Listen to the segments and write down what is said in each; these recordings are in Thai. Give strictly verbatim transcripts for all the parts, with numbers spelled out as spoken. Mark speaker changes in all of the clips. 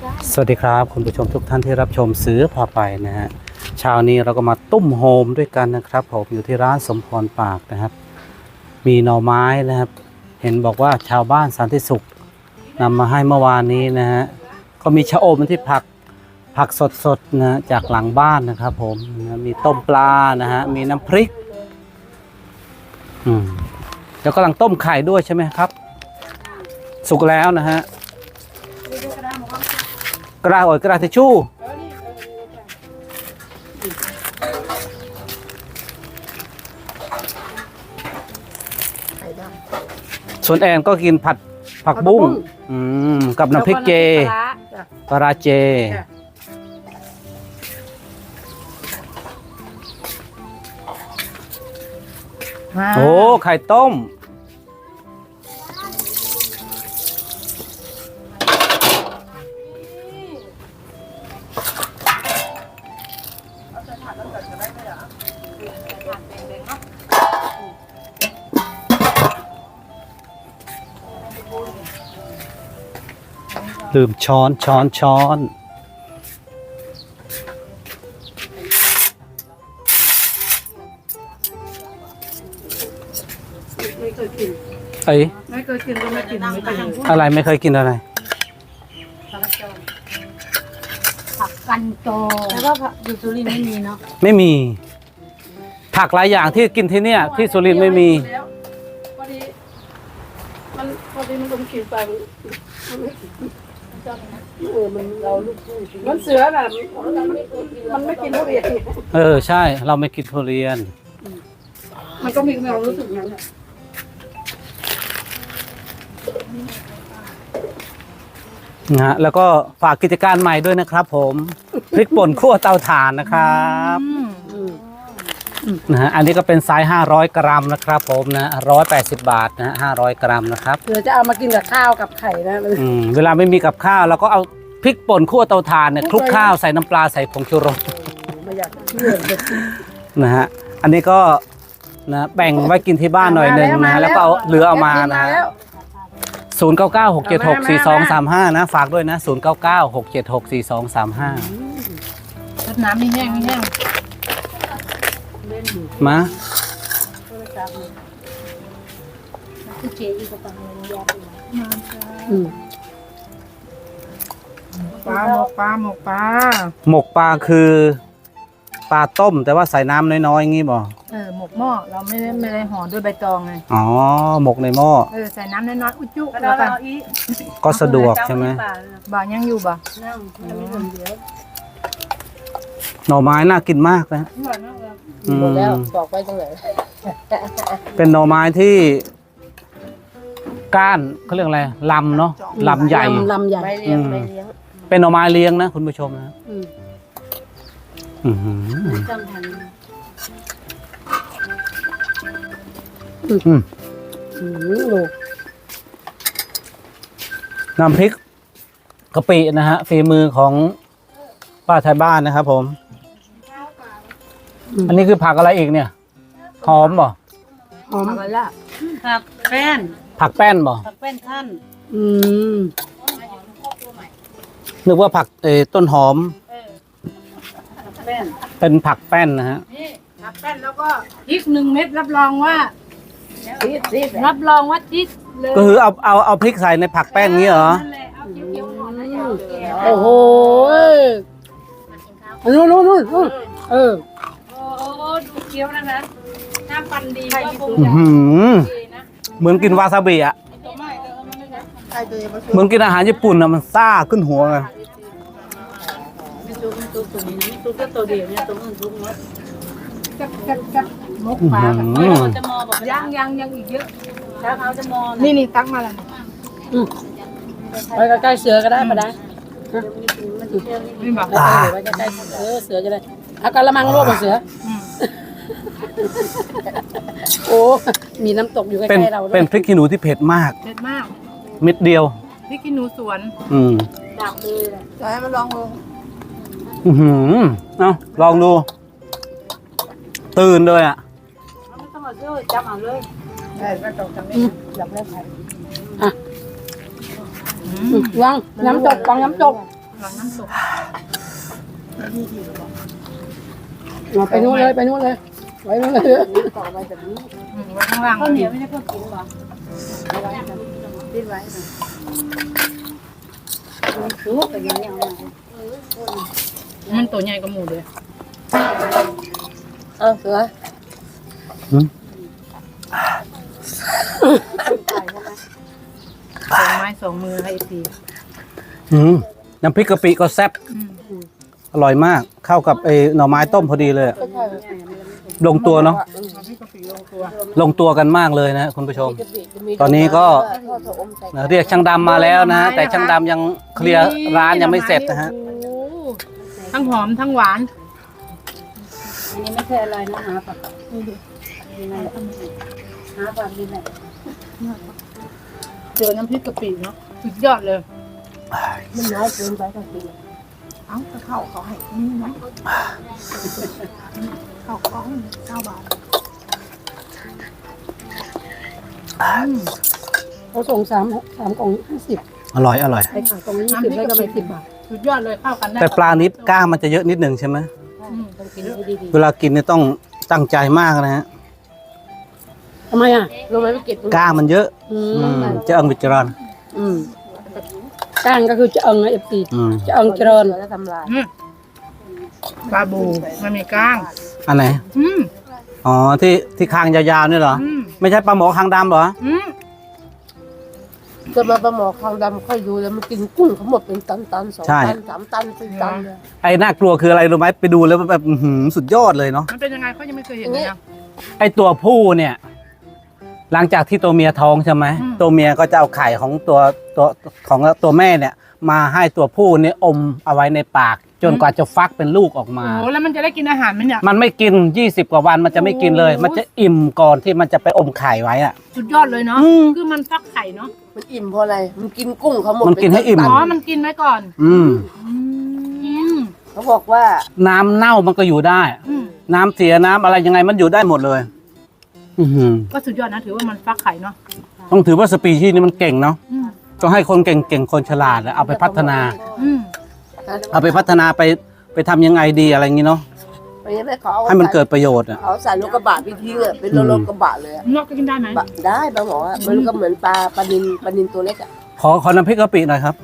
Speaker 1: สวัสดีครับคุณผู้ชมทุกท่านที่รับชมซื้อพาไปนะฮะเช้านี้เราก็มาตุ้มโฮมด้วยกันนะครับผมอยู่ที่ร้านสมพรปากนะครับมีหน่อไม้นะครับเห็นบอกว่าชาวบ้านสันติสุขนำมาให้เมื่อวานนี้นะฮะก็มีชะอมที่ผักผักสดๆนะจากหลังบ้านนะครับผมนะมีต้มปลานะฮะมีน้ำพริกอืมแล้วกำลังต้มไข่ด้วยใช่ไหมครับสุกแล้วนะฮะกระดาษโอยกระดาษทิชชู่ส่วนแอนก็กินผัดผักบุ้งอืมกับน้ำพริกเจปลาเจโอ้ไข่ต้มลืมช้อนช้อนช้อน
Speaker 2: ไม่เคยกิน
Speaker 1: เอ้ย
Speaker 2: ไม่เคยกินก็ไม่กินไม่เคย
Speaker 1: อะไรไม่เคยกินอะไร
Speaker 3: ผักกันโตแล้วก็ผักอยู่สุรินทร์ไม่มีเนาะ
Speaker 1: ไม่มีผักหลายอย่างที่กินที่เนี่ยที่สุรินทร์ไม่มี
Speaker 2: แล้วพอดีมันพอดีมันต้องกินไปมันไม่กินเออมันเราลูกมันเสือน่ะมันไม่กินทุเรียน
Speaker 1: เออใช่เราไม่กินทุเรียน
Speaker 2: มันก็มีความรู้สึกนั้นแหละ
Speaker 1: นะฮะแล้วก็ฝากกิจการใหม่ด้วยนะครับผมพริกป่นคั่วเตาถ่านนะครับนะฮะอันนี้ก็เป็นไซส์ห้าร้อยกรัมนะครับผมนะหนึ่งร้อยแปดสิบบาทนะฮะห้าร้อยกรัมนะครับ
Speaker 2: เดี๋ยวจะเอามากินกับข้าวกับไข่นะ
Speaker 1: อืมเวลาไม่มีกับข้าวเราก็เอาพริกป่นคั่วเตาถ่านเนี่ยคลุกข้าวใส่น้ำปลาใส่ผงชูรส
Speaker 2: ไม่อยากเชื่อเลย
Speaker 1: นะฮะอันนี้ก็นะแบ่งไว้กินที่บ้านหน่อยหนึ่งนะฮะแล้วก็เอาเหลือเอามานะฮะศูนย์เก้าเก้าหกเจ็ดหกสี่สองสามห้านะฝากด้วยนะศูนย์เก้าเก้าหกเจ็ดหกสี่สองสามห้า
Speaker 3: น้ำไม่แห้งไม่แห้ง
Speaker 1: มา
Speaker 3: คือเจอีกกับปังเลยยาไป
Speaker 2: ปลาหมกปลาหมกปลา
Speaker 1: หมกปลาคือปลาต้มแต่ว่าใส่น้ำน้อยๆอย่างงี้บ่
Speaker 3: เออหมกหม้อเราไม่ได้ไม่ได้ห่อด้วยใบตองไง
Speaker 1: อ๋อหมกในหม้อ
Speaker 3: เออใส่น้ำน้อยๆอุจจุ
Speaker 2: แล้
Speaker 3: แล้ว ว
Speaker 2: ก็
Speaker 3: กัน
Speaker 1: ก็สะดวกใช่ไหม
Speaker 3: บ่ายังอยู่บ่
Speaker 1: หน่อไม้น่ากินมากนะอืม
Speaker 2: หมดแล้วบอกไปตรงไหน
Speaker 1: เป็นหน่อไม้ที่ก้านเขาเรียกอะไรลำเนาะลำใหญ่
Speaker 2: ลำใหญ่
Speaker 3: ใบเลี้ยงใบเลี้ยง
Speaker 1: เป็นหน่อไม้เลี้ยงนะคุณผู้ชมนะ
Speaker 2: อืม
Speaker 1: อื้อหือ
Speaker 3: จำทัน
Speaker 1: อืม
Speaker 2: อืมลูก
Speaker 1: น้ำพริกกะปินะฮะฝีมือของป้าไทยบ้านนะครับผม อันนี้คือผักอะไรอีกเนี่ยหอมบ่
Speaker 2: หอม
Speaker 3: ผักละผักแป้น
Speaker 1: ผักแป้นบ่
Speaker 3: ผักแป้นขั้น
Speaker 2: อืม
Speaker 1: นึกว่าผักเออต้นหอม
Speaker 3: ผักแป้น
Speaker 1: เป็นผักแป้นนะฮะ
Speaker 3: นี่ผักแป้นแล้วก็พริกหนึ่งเม็ดรับรองว่ารับรองว่าทิศเลย
Speaker 1: ก็คือเอาเอาเอาพริกใส่ในผักแป้นงี้เหรอ
Speaker 3: นั่นแหละเอาเขียวๆหน่อยนะอย่าเอาแก่
Speaker 2: โอ้โหนู่นนู่นนู่นนู่นเออ
Speaker 3: โอ้โหดูเคี้ยวนะคะน้ำปันดีก็คง
Speaker 1: อื้อ
Speaker 3: จะ
Speaker 1: หือ
Speaker 3: ดีนะ
Speaker 1: เหมือนกินวาซาบิอ่ะ
Speaker 3: ไม่เลยมันไม่ได้
Speaker 2: ใครตัวเองมาช่วย
Speaker 1: เหมือนกินอาหารญี่ปุ่นอ่ะมันซ่าขึ้นหัวไง
Speaker 3: มีตัวมีตัวตัวนี้ตัวแค่ตัวเดียวเนี่ยตัวอื่นทุกหมดกับกับกับมกปลากับเราจะมอแบบยังยังยังอีกเยอะถ้าเขาจะมอ
Speaker 2: นี่นี่ตักมาแล้วไปใกล้ๆเสือก็ได้ปะนะ
Speaker 3: นี่บอก
Speaker 1: อ่า
Speaker 2: ไปใกล้ๆเออเสือจะได้เอากระมังรวบกับเสือโอ้มีน้ำตกอยู่ใก
Speaker 1: เป็น
Speaker 2: ล้ๆเราด้
Speaker 1: เป็
Speaker 2: วน ย
Speaker 1: พริกขี้หนูที่เผ็ดมาก
Speaker 3: เผ็ดมาก
Speaker 1: เม็ดเดียว
Speaker 3: พี่กินหนูสวน
Speaker 1: อืม
Speaker 3: ดักเลยแหละ
Speaker 2: จะให้มันลองลง
Speaker 1: อือหือเอาลองดู ตื่นเลยอ่ะ
Speaker 3: ไม่ต้องมาช่วยจับเอาเลย
Speaker 2: ได้ไม่ตกทำนี้อยากได้ไข่อ่ะวางน้ำตกวางน้ำตก
Speaker 3: รลังน้ำตก
Speaker 2: เอาไปนู่นเลยไปนู่นเลยไว้นู่นเลย
Speaker 4: ต่อไปแบบนี้
Speaker 3: อืมไว้ข้างล่าง
Speaker 4: ข้าวเหนียวไม่ได้เพิ่มกินหรอเอาไว้แบบติดไว้ชุบไปยังยัง
Speaker 3: มันตัวใหญ่กว่าหมูเลย
Speaker 4: เอาเสือ
Speaker 1: อืม
Speaker 3: สองไม้สองมือให้ที
Speaker 1: อืมน้ำพริกกะปิก็แซ่บอร่อยมากเข้ากับไอ้หน่อไม้ต้มพอดีเลยอะลงตัวเนาะ
Speaker 3: พี่กะปิลงตัว
Speaker 1: ลงตัวกันมากเลยนะคุณผู้ชม ตอนนี้ก็เรียกช่างดำมาแล้วนะฮะแต่ช่างดำยังเคลียร์ร้านยังไม่เสร็จนะฮะ
Speaker 3: โอ้ทั้งหอมทั้งหวาน
Speaker 4: อันนี้ไม่ใช่อะไรนะหาผักหาผักดีไหม
Speaker 3: เจอน้ำพริกกะปิเนาะสุดยอดเลย
Speaker 4: มันน้อยเกินไปก็กิน
Speaker 3: เอ้าจะเข้าเขาให้นี่นะเข้าก้องเก้าบาท
Speaker 2: เขาส่งสามสามกล่องห้าสิบ
Speaker 1: อร่อยอร่อย
Speaker 2: ไปขายกล่องยี่สิบแล้วก็ไปสิบบาท
Speaker 3: สุดยอดเลยเข้ากันได้
Speaker 1: แต่ปลานิดก้างมันจะเยอะนิดหนึ่งใช่ไหม
Speaker 3: อืม
Speaker 4: ต้องกินให้ดี
Speaker 1: เวลากินเนี่ยต้องตั้งใจมากนะฮะ
Speaker 2: ทำไมอ่ะ
Speaker 4: ๆรู้ไหมไม่เก็บ
Speaker 1: ก้างมันเยอะ
Speaker 2: อื
Speaker 1: อื
Speaker 2: ม
Speaker 1: มจะเอิงวิจารณ์
Speaker 2: อืมก้างก็คือจะเอิงเอฟซี
Speaker 1: อืม
Speaker 2: จะเอิงเจริญ
Speaker 4: แล้วทำลาย
Speaker 3: อืมปลาบูมันมีก้าง
Speaker 1: อันไหน
Speaker 3: อืม
Speaker 1: อ๋อที่ที่คางยาวๆนี่เหรอ
Speaker 3: อืม
Speaker 1: ไม่ใช่ปลาหมอคางดำเหรอ
Speaker 3: อืม
Speaker 4: จะมาปลาหมอคางดำค่อยดูแล้วมันกินกุ้งเขาหมดเป็นตันตันสอง
Speaker 1: ใช่
Speaker 4: ตันสามตันสี่ตันเลย
Speaker 1: ไอ้น่ากลัวคืออะไรรู้ไหมไปดูแล้วแบบอื้อหือสุดยอดเลยเนาะ
Speaker 3: มันเป็นยังไงเขายังไม่เคยเห็นเลยนะ
Speaker 1: ไอ้ตัวผู้เนี่ย หลังจากที่ตัวเมียท้องใช่ไหม
Speaker 3: อืม
Speaker 1: ตัวเมียก็จะเอาไข่ของตัวตัวของตัวแม่เนี่ย มาให้ตัวผู้เนี่ยอมเอาไว้ในปาก จนกว่าจะฟักเป็นลูกออกมา
Speaker 3: โอ้แล้วมันจะได้กินอาหารไหมเนี่ย
Speaker 1: มันไม่กินยี่สิบกว่าวันมันจะไม่กินเลย
Speaker 3: โอ้
Speaker 1: มันจะอิ่มก่อนที่มันจะไปอมไข่ไว้อะ
Speaker 3: สุดยอดเลยเนาะ
Speaker 1: อืม
Speaker 3: คือมันฟักไข่เนาะ
Speaker 4: มันอิ่มเพราะอะไรมันกินกุ้งเขาหมด
Speaker 1: มันกินให้อิ่ม
Speaker 4: เป็
Speaker 3: อ๋อ
Speaker 4: ตัน
Speaker 3: มันกินไว้ก่อน
Speaker 1: อืม
Speaker 3: อืม
Speaker 4: เขาบอกว่า
Speaker 1: น้ำเน่ามันก็อยู่ได้
Speaker 3: อืม
Speaker 1: น้ำเสียน้ำอะไรยังไงมันอยู่ได้หมดเลย อือหือ
Speaker 3: ก็สุดยอดนะถือว่ามันฟักไข่เนาะ
Speaker 1: ต้องถือว่าสปีชีส์นี้มันเก่งเนาะ
Speaker 3: อืม
Speaker 1: ต้องให้คนเก่งๆคนฉลาดแล้วเอาไปพัฒนา
Speaker 3: อืม
Speaker 1: เอาไปพัฒนาไปไปทำยังไงดีอะไรอย่างงี้เนาะ
Speaker 4: ไม่ใช่ไม่เขาเอา
Speaker 1: ให้มันเกิดประโยชน์อ่ะ
Speaker 4: เขาใส่รถกระบะไปทิ้งอ่ะเป็นรถรถกระบะเลยอะ
Speaker 3: นอกจะกินได้ไหม
Speaker 4: บะได้ปลาหมออะมันก็เหมือนปลาปลานินปลานินตัวเล็กอ่ะ
Speaker 1: ขอขอน้ำพริกกะปิหน่อยครับ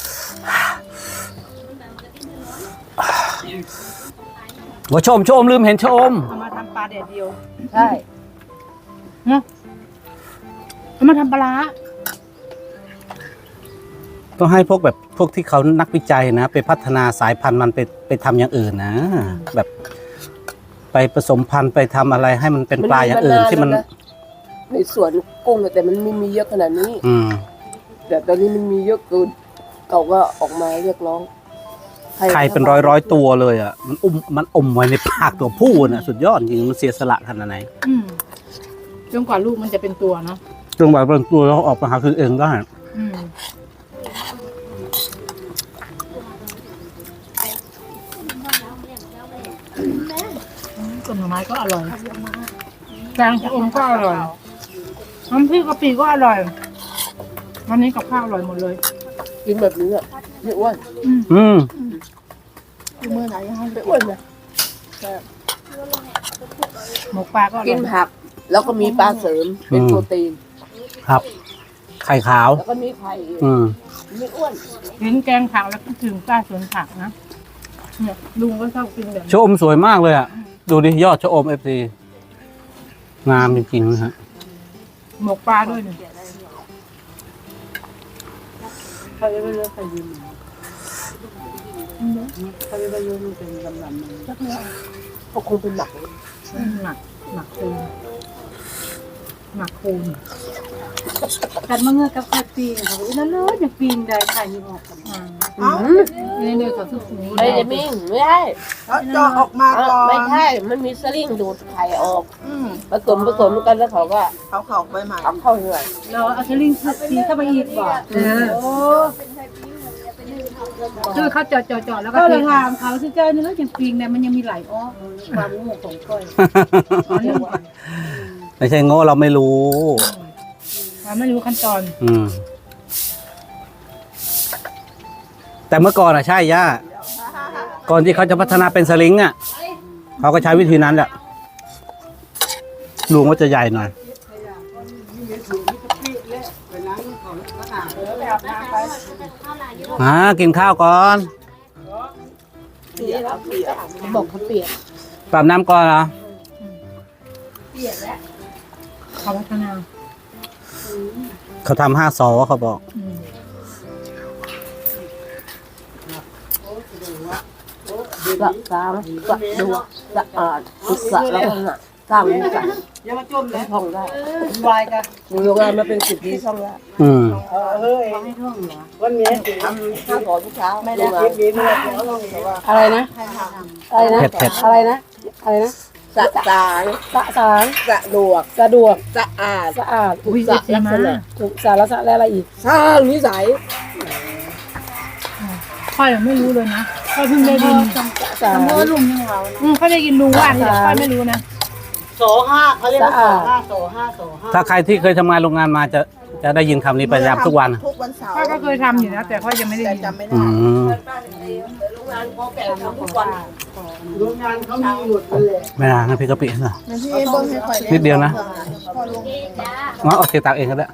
Speaker 1: ว่าชมชมลืมเห็นชม
Speaker 3: เอามาทำปลาแดดเดียว
Speaker 4: ใช่
Speaker 3: เนาะเอามาทำปลาร้า
Speaker 1: ต้องให้พวกแบบพวกที่เขานักวิจัยนะ ไปพัฒนาสายพันธุ์มันไปไปทำอย่างอื่นนะ แบบไปผสมพันธุ์ไปทำอะไรให้มันเป็นปลาอย่างอื่นที่มัน
Speaker 4: ในสวนกุ้งอะแต่มันไม่มีเยอะขนาดนี้
Speaker 1: อืม
Speaker 4: แต่ตอนนี้มันมีเยอะเกินเขาก็ออกมาเรียกร้อง
Speaker 1: ไข่เป็นร้อยร้อยๆตัวเลยอ่ะ มันอุ้มมันอมไว้ในปากตัวผู้น่ะ สุดยอดจริงมันเสียสละขนาดไหน
Speaker 3: อืมจนกว่าลูกมันจะเป็นตัวเนาะ
Speaker 1: จนแบบเป็นตัวแล้วออกมาหาคือเองได้
Speaker 3: อืมต้นหน่อไม้ก็อร่อยแกงชะอมก็อร่อยน้ำพริกกะปิก็อร่อยวันนี้กับข้าวอร่อยหมดเลย
Speaker 4: กินแบบนี้อ่ะไม่อ้วน
Speaker 1: อืม
Speaker 3: เมื่อไหร่ให้
Speaker 4: ไม่อ้วนนะ
Speaker 3: หมกปลาก็อร่
Speaker 4: กิ
Speaker 3: อน ย
Speaker 4: ผัก แล้วก็มีปลาเสริมเป็นโปรตีน
Speaker 1: ครับ ไข่ขาว
Speaker 4: แล้วก็มีไข่อีก
Speaker 1: อืม
Speaker 4: ไม่อ้วน
Speaker 3: เห็นแกงผักแล้วคิดถึงป้าสวนผักนะเนี่ยลุงก็ชอบกินแบบ
Speaker 1: ชะอมสวยมากเลยอ่ะ ดูดิยอดชะอมเอฟซีงามจริงๆนะฮะ
Speaker 3: หมกปลาด้วยเนี่ย
Speaker 4: เขาจะไม่เลือกใครยืนเขาจะไม่เลือกเป็นลำลำเขาคงเป็นหนัก
Speaker 3: หมักหมักคูนหมักคูน
Speaker 4: กันมาเงือกกับไข่ปีนเขาแล้วเลยจะปีนได้ไข่ยังออกกัน
Speaker 3: อ่าเนี่ยเนี่ยเขาสุกนี้
Speaker 4: ไม่ได้มิ่งไม่ได้
Speaker 2: แล้วจอออกมาก่อน
Speaker 4: ไม่ใช่มันมีสลิงดูดไข่ออก
Speaker 2: อืม
Speaker 4: ผสมผสมกันแล้วเขาก็
Speaker 2: เขาเขาไปใหม่
Speaker 4: เอาเข้าเหนื่อย
Speaker 3: เราเอาสลิงสีเข้าไปอีกบ่เออโอ้คือเขาเจาะเจาะเจาะแล้วก็
Speaker 4: ก็
Speaker 3: เท
Speaker 4: เลยถามเขาสิเจ้านี่แล้วยังปีนเนี่ยมันยังมีไหลอ้อความโง่ของก้อย
Speaker 1: ไม่ใช่โง่เราไม่รู้
Speaker 3: เราไม่รู้ขั้นตอน
Speaker 1: อืมแต่เมื่อก่อนอะใช่ย่าก่อนที่เขาจะพัฒนาเป็นสลิงอะเขาก็ใช้วิธีนั้นแหละลุงว่าจะใหญ่หน่อยมากินข้าวก่อน
Speaker 4: บอกเขาเปลี่ยน
Speaker 1: ปรับน้ำก่อนเหรอ
Speaker 3: เขาพัฒนา
Speaker 1: เขาทำห้าซอเขาบอก
Speaker 4: สะสางสะดวกสะอาดสะแล้วก็หนักสร้างนี่กัน
Speaker 2: อย่ามาจมเลย
Speaker 4: ท่องได้
Speaker 2: วายกัน
Speaker 4: อยู่โรงงานมาเป็นสิบปีท่องได้
Speaker 1: อืม
Speaker 2: เออเฮ้ยวันนี้
Speaker 4: ทำข้าวสอนทุกเช้าไม่ได้
Speaker 2: เก็บเงินเลยเขาลงแต่ว่า
Speaker 3: อะไรนะอะไรนะ
Speaker 1: เผ็ดเผ็ด
Speaker 3: อะไรนะอะไรนะ
Speaker 4: สะสาง
Speaker 3: สะสาง
Speaker 4: สะดวก
Speaker 3: สะดวก
Speaker 4: สะอาด
Speaker 3: สะอาด
Speaker 4: สะลักษณะ
Speaker 3: ถูกสารสะและอะไรอีก
Speaker 4: สร้างนิสัย
Speaker 5: ค่อยไม่รู้เลยนะค่อยเพิ่งได้ยิน
Speaker 3: สาร
Speaker 5: เมื่อลุงยังเราอืมค่อยได้ยินลุงว่าแต่ค่อยไม่รู้นะ
Speaker 2: โสห้าเขาเรียกว่าโสห้าโสห้าโสห้า
Speaker 1: ถ้าใครที่เคยทำงานโรงงานมาจะจะได้ยินคำนี้ประจำทุกวัน
Speaker 2: ทุกวันเสาร์
Speaker 5: ค่อยก็เคยทำอยู่นะแต่ค่อยยังไม่ได้
Speaker 2: แต่
Speaker 5: ยิน
Speaker 2: จำไม่
Speaker 1: อื
Speaker 2: ได้
Speaker 1: ม
Speaker 2: โรงงานเขาแก่ทำทุกวันโรงงานเขามีหยุดเลย
Speaker 1: ไม่นานนะพี่กะปินะ
Speaker 2: พี่เอ็มบอกให้ค่อย
Speaker 1: นิดเดียวนะงั้นเอาเทตักเองก็ได้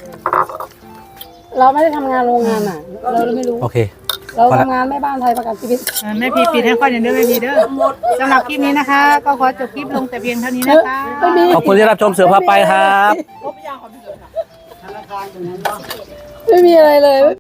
Speaker 3: เราไม่ได้ทำงานโรงงานอ่ะ เราเลยไม่รู้
Speaker 1: โอเค
Speaker 3: เราทำงานแม่บ้านไทยประกันชีวิต
Speaker 5: อ่าแม่พีปิดให้ค่อยอย่างเด้อแม่พีเด้อสำหรับคลิปนี้นะคะ ก็ขอจบคลิปลงแต่เพียงเท่านี้นะคะ
Speaker 3: ไม่มี
Speaker 1: ขอบคุณที่รับชมเสือพาไปครับ
Speaker 2: ธนาคารอย่างนั้นเนาะ
Speaker 3: ไม่มีอะไรเลย